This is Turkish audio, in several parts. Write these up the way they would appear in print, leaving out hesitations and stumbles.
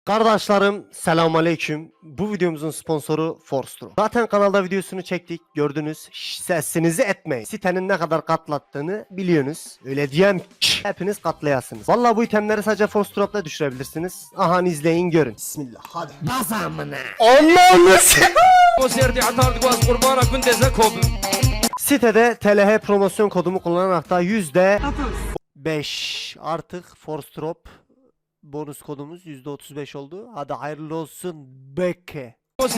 Kardeşlerim selamünaleyküm. Bu videomuzun sponsoru Forstro. Zaten kanalda videosunu çektik. Gördünüz. Sesinizi etmeyin. Sitenin ne kadar katlattığını biliyorsunuz. Öyle diyem ki hepiniz katlayasınız. Vallahi bu itemleri sadece Forstro'da düşürebilirsiniz. Aha izleyin görün. Bismillah hadi. Bazamına. Allah'ını Sitede TLH promosyon kodumu kullanarak da %5 artık Forstrop bonus kodumuz %35 oldu. Hadi hayırlı olsun Beke.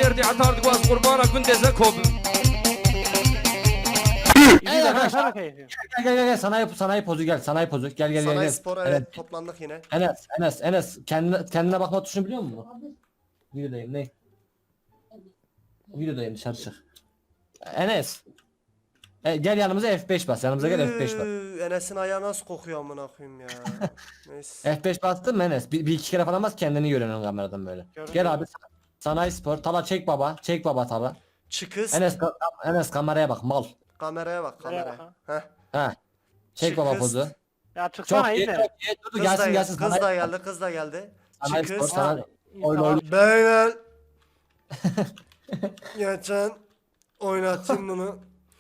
Gel gel sanayi pozu gel sanayi pozu gel. Sanayi spor evet toplandık yine. Enes kendine bakma tuşunu biliyor musun? Videodayım ne? Videodayım dışarı çık. Enes. Gel yanımıza F5 bas yanımıza gel F5 bas. Enes'in ayağı nasıl kokuyor amına koyayım ya. Neyse. F5 bastın mı Enes? Bir iki kere falan bas kendini görüyorsun kameradan böyle. Gel abi sanayi spor Tala çek baba Tala. Çıkız. Enes kameraya bak mal. Kameraya bak kameraya. Heh. Ha. Çek baba Çıkız. pozu. Ya çıksana iyi de. Dur gelsin. Kız da geldi kız da geldi. Sanayi spor Çıkız. sanayi. Oyun. Beyler. Geçen oynatayım bunu.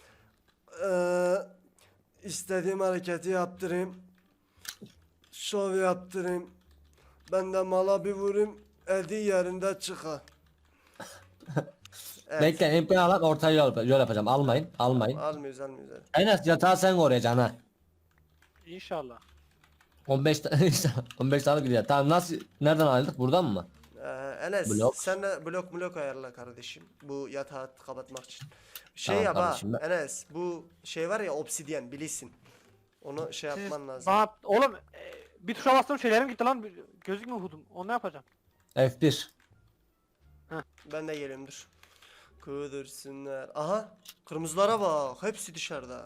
İstediğim hareketi yaptırayım. Şov yaptırayım. Ben de mala bir vurayım. Edi yerinde çıka. Evet. Bekle MP alan ortaya yol yapacağım. Almayın. Almıyoruz. Enes yatağı sen koruyacaksın ha. İnşallah. 15 15 tane gidiyor. Tamam nasıl nereden aldık? Buradan mı? Enes Blok. sen de blok ayarla kardeşim. Bu yatağı kapatmak için. Tamam Yap ha kardeşim, Enes bu şey var ya obsidyen bilirsin. Onu şey yapman lazım. Bana oğlum bir tuşa bastım şeylerim gitti lan gözükmüyor hudum. Onu ne yapacağım? F1. Ben de geliyorum dur. Kudursunlar. Aha kırmızılara bak hepsi dışarıda.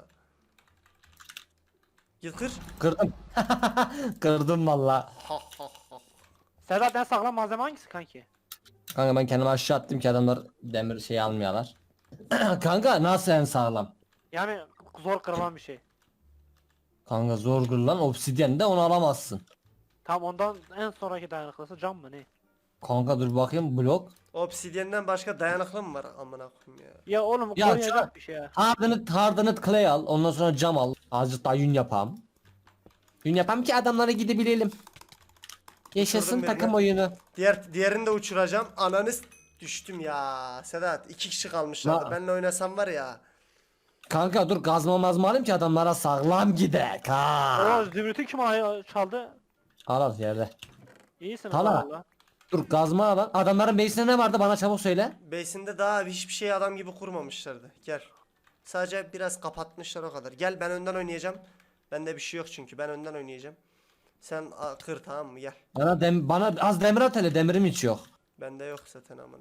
Yıkır. Kırdım. Kırdım valla. Sedat en sağlam malzeme hangisi kanki? Kanka ben kendimi aşağı attım ki adamlar demir şey almıyorlar. Kanka nasıl en sağlam? Yani zor kırılan bir şey. Kanka zor kırılan obsidyen de onu alamazsın. Tam ondan en sonraki dayanıklısı cam mı ne? Kanka dur bakayım blok. Obsidyenden başka dayanıklı mı var amına koyayım ya. Ya oğlum Ya koruyacak bir şey ya. Hardened clay al. Ondan sonra cam al. Azıcık daha yün yapam. Yün yapam ki adamlara gidebilelim. Yaşasın Uçurdum takım birini. oyunu. Diğerini de uçuracağım. Ananız düştüm ya. Sedat 2 kişi kalmışlardı. Na- Benle oynasam var ya. Kanka dur gazma mazma alayım ki adamlara sağlam gidek ha. O zümrütü kim çaldı? Al yerde. İyisin Tala. valla. Dur gazma al. Adamların base'inde ne vardı bana çabuk söyle. Base'inde daha hiçbir şey adam gibi kurmamışlardı. Gel. Sadece biraz kapatmışlar o kadar. Gel ben önden oynayacağım. Bende bir şey yok çünkü. Ben önden oynayacağım. Sen kır tamam mı? Gel. Bana az demir at hele demirim hiç yok. Bende yok zaten amına.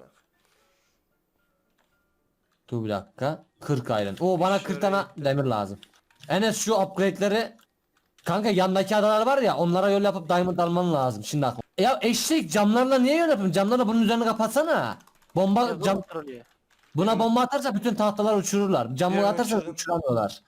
Dur bir dakika. 40 iron. Oo bana 40 tane Şöyle demir lazım. Enes şu upgrade'leri kanka yandaki adalar var ya onlara yol yapıp diamond alman lazım. Şimdi aklıma. Ya eşek camlarla niye yol yapayım? Camlarla bunun üzerine kapatsana. Bomba cam buna bomba atarsa bütün tahtalar uçururlar. Camı Diğerini atarsa uçurdum. uçuramıyorlar.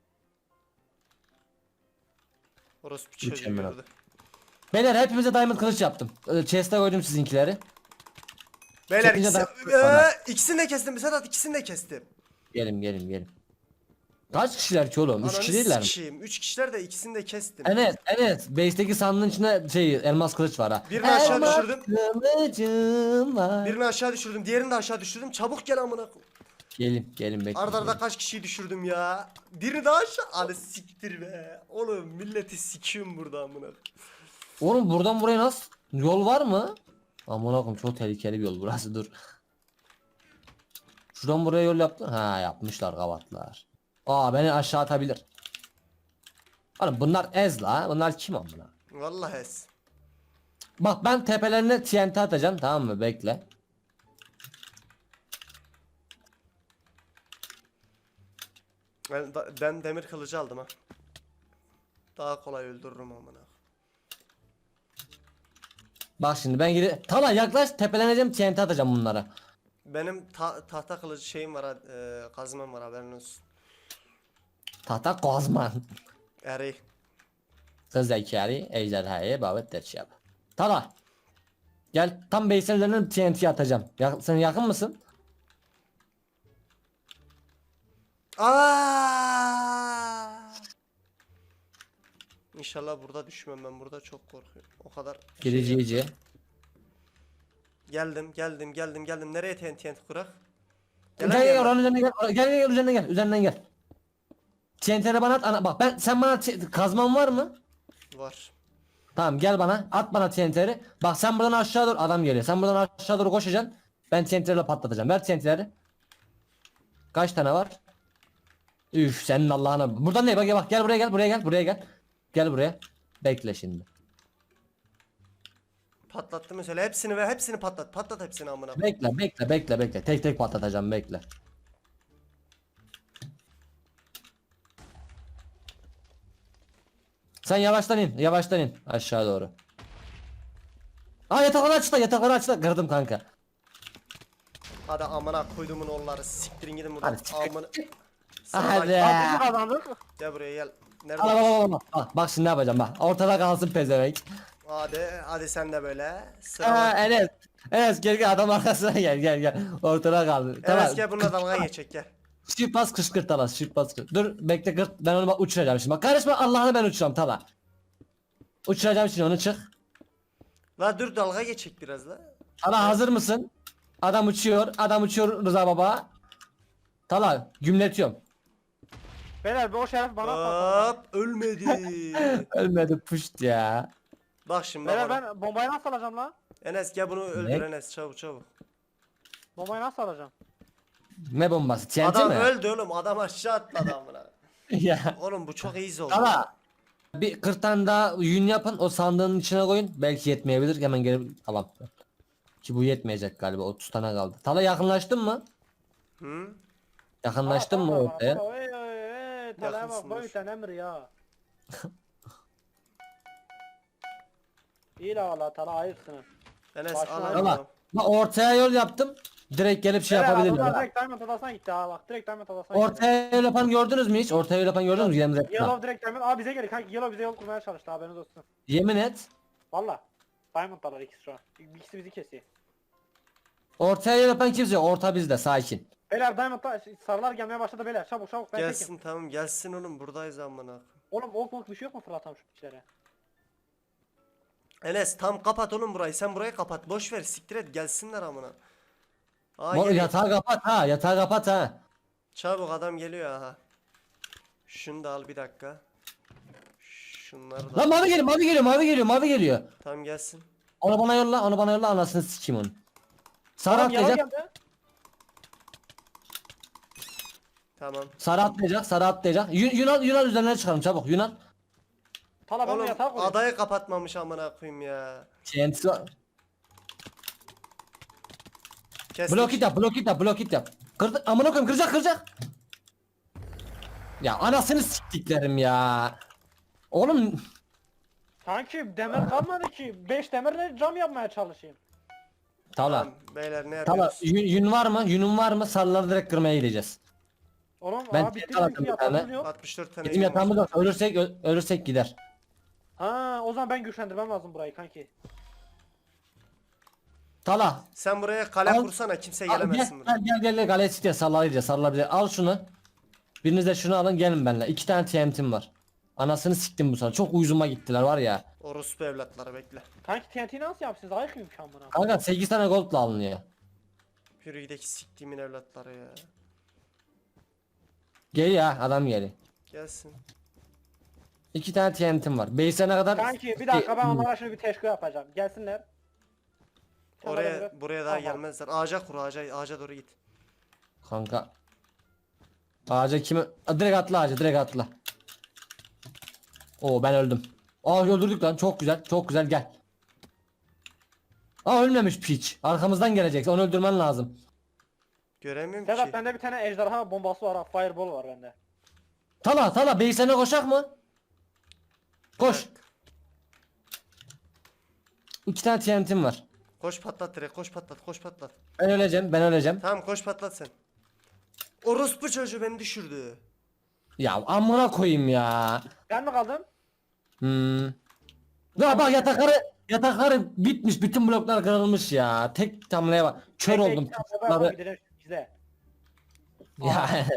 Orası bir çocuğu Mükemmel. gördü. Beyler hepimize diamond kılıç yaptım. Chest'e koydum sizinkileri. Beyler Çekince ikisini de kestim. Sedat ikisini de kestim. Gelin. Kaç kişiler ki oğlum? 3 kişi değiller mi? 3 kişiler de ikisini de kestim. Enes base'deki sandığın içinde elmas kılıç var ha. Birini aşağı Elmas düşürdüm. kılıcım var. Birini aşağı düşürdüm. Diğerini de aşağı düşürdüm. Çabuk gel amına. Gelin bekle. Arda kaç kişiyi düşürdüm ya. Birini daha aşağı. Hadi siktir be. Oğlum milleti sikiyorum burada amına. Oğlum buradan buraya nasıl? Yol var mı? Aman akım çok tehlikeli bir yol burası dur. Şuradan buraya yol yaptı. Ha yapmışlar kavatlar. Aa beni aşağı atabilir. Oğlum bunlar ez la. Bunlar kim amına? Vallahi es. Bak ben tepelerine TNT atacağım tamam mı? Bekle. Ben demir kılıcı aldım ha. Daha kolay öldürürüm amına. Bak şimdi ben gidip Tala yaklaş tepeleneceğim TNT atacağım bunlara. Benim tahta kılıcı şeyim var ha, kazmam var haberin olsun. Tahta kozman. Eri. Kız zekeri ejderhaya babet derç yap. Tala. Gel tam base'in üzerinden TNT atacağım. Sen yakın mısın? Aa! İnşallah burada düşmem, ben burada çok korkuyorum. O kadar Giricici. Geldim. Nereye TNT kurak? Gel gel oranın üzerine gel. Gel üzerine gel. Üzerinden gel. TNT'leri bana at. Bak sen bana kazman var mı? Var. Tamam gel bana. At bana TNT'leri. Bak sen buradan aşağı doğru adam geliyor. Sen buradan aşağı doğru koşacaksın. Ben TNT'lerle patlatacağım. Ver TNT'leri. Kaç tane var? Üf senin Allah'ına. Buradan ne? Bak gel buraya gel. Gel buraya. Bekle şimdi. Patlattım mesela hepsini ve hepsini patlat. Patlat hepsini amına. Bekle. Tek tek patlatacağım bekle. Sen yavaştan in aşağı doğru. Aa yatakları açtı. Kırdım kanka. Hadi amına koyduğumun oğulları, siktirin gidin buradan. Hadi çık. Amına. Hadi. Altını kazandık. Gel buraya gel. Al, Nerede? al, al, al. Bak şimdi ne yapacağım bak. Ortada kalsın pezevenk. Hadi sen de böyle. Sıra Aa var. Enes gel adam arkasına gel. Ortada kaldı. Enes gel bununla dalga geçecek gel. Shift bas kışkırt Talas. Shift bas kışkırt. Dur bekle kırt. Ben onu bak uçuracağım şimdi. Bak karışma Allah'ını ben uçuracağım Tala. Uçuracağım şimdi onu çık. La dur dalga geçecek biraz la. Tala hazır mısın? Adam uçuyor Rıza baba. Tala gümletiyorum. Beyler o şeref bana patladı. Hop ölmedi. Ölmedi puşt ya. Bak şimdi Beyler bak. ben bombayı nasıl alacağım lan? Enes gel bunu öldür Enes çabuk. Bombayı nasıl alacağım? Ne bombası? TNT Adam mi? öldü oğlum, adam aşağı atladı amına. Ya. Oğlum bu çok iyi oldu. Tala. Bir 40 tane daha yün yapın o sandığın içine koyun. Belki yetmeyebilir. Hemen gelip tamam. Ki bu yetmeyecek galiba 30 tane kaldı. Tala yakınlaştın mı? Hı? Yakınlaştın mı ortaya? Talaya bak Yakınsın, boy dur. sen emir ya. İyi la valla Tala ayıpsın. Enes Başına al al. al. Tala. Bak ortaya yol yaptım. Direkt gelip şey Beyler yapabilirler. adamlar ha. direkt Diamond adasına gitti ha bak direkt Diamond adasına gitti. Ortaya yol yapan gördünüz mü hiç? Ortaya yol yapan gördünüz mü? Yemin et. Yellow direkt Diamond. Aa bize geliyor kanka Yellow bize yol kurmaya çalıştı haberiniz olsun. Yemin et. Valla. Diamond'dalar ikisi şu an. İkisi bizi kesiyor. Ortaya yol yapan kimse yok. Orta bizde sakin. Beyler Diamond'da sarılar gelmeye başladı beyler. Çabuk ben tekim. Gelsin tamam gelsin oğlum, buradayız amına. Oğlum ok bir şey yok mu fırlatam şu kişilere? Enes tam kapat oğlum burayı, sen burayı kapat, boş ver, siktir et, gelsinler amına. Aa Mor, geliyor. yatağı kapat ha. Çabuk adam geliyor aha. Şunu da al bir dakika. Şunları da Lan mavi geliyor. tam gelsin. Onu bana yolla anasını sikeyim onu. Sarı Tamam yellow atlayacak. geldi. Tamam. Sarı atlayacak. Yunan üzerine çıkalım çabuk Yunan. Tala ben Oğlum yatağa koyayım. adayı kapatmamış amına koyayım ya. TNT var. Kestik. Blok it yap. Kırdı amına koyayım kıracak. Ya anasını siktiklerim ya. Oğlum Kanki demir kalmadı ki. 5 demirle cam yapmaya çalışayım. Tala. Tamam, beyler ne Tala yapıyoruz? yün var mı? Yünün var mı? Sarıları direkt kırmaya gideceğiz. Oğlum Ben abi bitti tekrar bizimki attım bir tane. yapalım yok. 64 tane Bizim yün var. yatağımız yok. Ölürsek gider. Ha o zaman ben güçlendirmem lazım burayı kanki. Tala. Sen buraya kale Al. kursana, kimse Al, gelemezsin buraya. gel galeye site sarılar bize. Al şunu. Biriniz de şunu alın gelin benimle. 2 tane TNT'm var. Anasını siktim bu sana. Çok uyuzuma gittiler var ya. Orospu evlatları bekle. Kanki TNT'yi nasıl yapsınız? Ayık mıyım şu an buna? Kanka 8 tane goldla alınıyor. Yürüydeki siktiğimin evlatları ya. Gel ya adam geliyor. Gelsin. 2 tane TNT'm var. Base'e ne kadar... Kanki bir dakika ben onlara şimdi bir teşkil yapacağım. Gelsinler. Sen bana Oraya biraz- buraya daha Tamam. gelmezler. Ağaca kur, ağaca doğru git. Kanka. Ağaca kimi... Direkt atla. Oo ben öldüm. Öldürdük lan çok güzel gel. Ölmemiş piç. Arkamızdan gelecek onu öldürmen lazım. Göremiyorum Sedat ki. bende bir tane ejderha bombası var ha. Fireball var bende. Tala base'e koşak mı? Koş. 2 tane TNT'm var. Koş patlat direkt, koş patlat. Ben öleceğim. Tamam koş patlat sen. Orospu çocuğu beni düşürdü. Ya amına koyayım ya. Ben mi kaldım? Ya bak Yatakları bitmiş, bütün bloklar kırılmış ya. Tek tamlaya bak. Kör oldum. Blokları- Gizle. Ya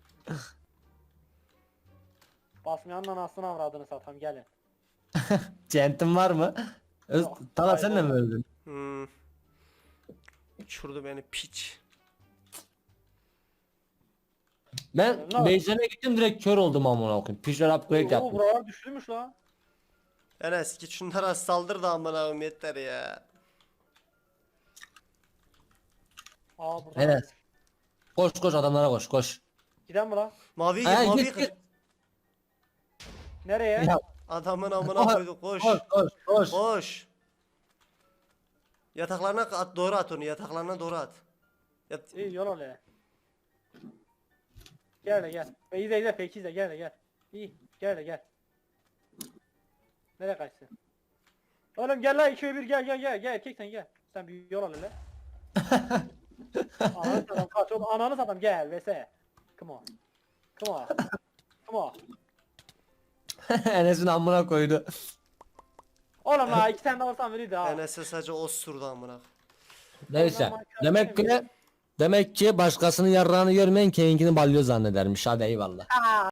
Basmayanın anasını avradını satam gelin. centim var mı? Yok, Tala sen de hayır, mi öldün? Hmm. Uçurdu beni piç. Ben Ne var? base'lerine gittim direkt kör oldum amına koyayım. Pişler upgrade Oo, yaptım. buralar düştümüş la. Enes git şunlara saldır da amına koyayım yeter ya. Aa burada. Evet. Koş koş adamlara koş koş. Giden mi la? Mavi Ha, git mavi git, kır. git. Nereye? Ya, Adamın amına Koş, koyduk koş. koş koş koş. Koş. Yataklarına at doğru at onu yataklarına doğru at. Yat. İyi yol ol ya. Gel de gel. İzle fake izle gel de gel. İyi gel de gel. Nereye kaçsın? Oğlum gel la 2 ve 1 gel erkek sen gel. Sen bir yol al hele. Ananı satam kaç oğlum ananı satam gel vs. Come on. Come on. Come on. Enes'in amına koydu. Oğlum la 2 tane de alsam verirdi ha. Enes'e sadece o sürdü amına. Neyse. Ondan Demek ki başkasının yarrağını görmeyen kendini balyo zannedermiş. Hadi eyvallah.